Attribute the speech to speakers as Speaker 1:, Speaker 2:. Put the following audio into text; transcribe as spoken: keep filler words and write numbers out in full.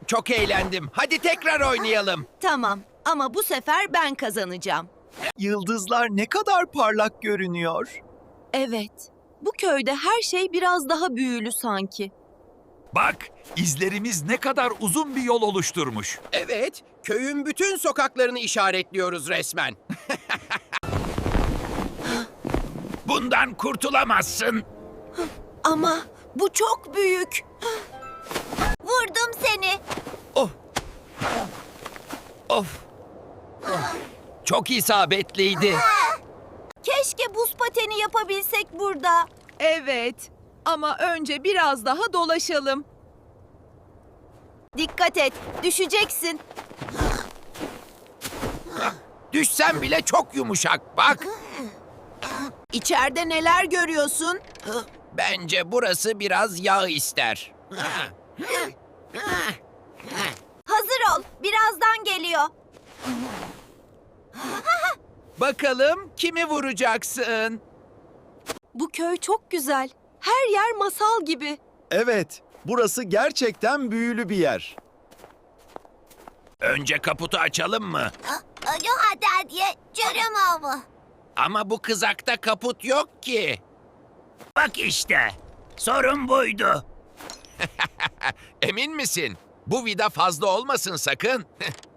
Speaker 1: Çok eğlendim. Hadi tekrar oynayalım.
Speaker 2: Tamam ama bu sefer ben kazanacağım.
Speaker 3: Yıldızlar ne kadar parlak görünüyor.
Speaker 2: Evet, bu köyde her şey biraz daha büyülü sanki.
Speaker 4: Bak, izlerimiz ne kadar uzun bir yol oluşturmuş.
Speaker 1: Evet, köyün bütün sokaklarını işaretliyoruz resmen.
Speaker 4: Bundan kurtulamazsın.
Speaker 2: Ama bu çok büyük. Vurdum seni.
Speaker 1: Of. Of. Çok isabetliydi.
Speaker 2: Keşke buz pateni yapabilsek burada.
Speaker 5: Evet ama önce biraz daha dolaşalım.
Speaker 2: Dikkat et, düşeceksin.
Speaker 1: Düşsem bile çok yumuşak bak.
Speaker 2: İçeride neler görüyorsun?
Speaker 1: Bence burası biraz yağ ister.
Speaker 2: Hazır ol, birazdan geliyor.
Speaker 1: Bakalım kimi vuracaksın?
Speaker 2: Bu köy çok güzel. Her yer masal gibi.
Speaker 3: Evet, burası gerçekten büyülü bir yer.
Speaker 1: Önce kaputu açalım mı? Ama bu kızakta kaput yok ki.
Speaker 4: Bak işte, sorun buydu.
Speaker 1: Emin misin? Bu vida fazla olmasın sakın.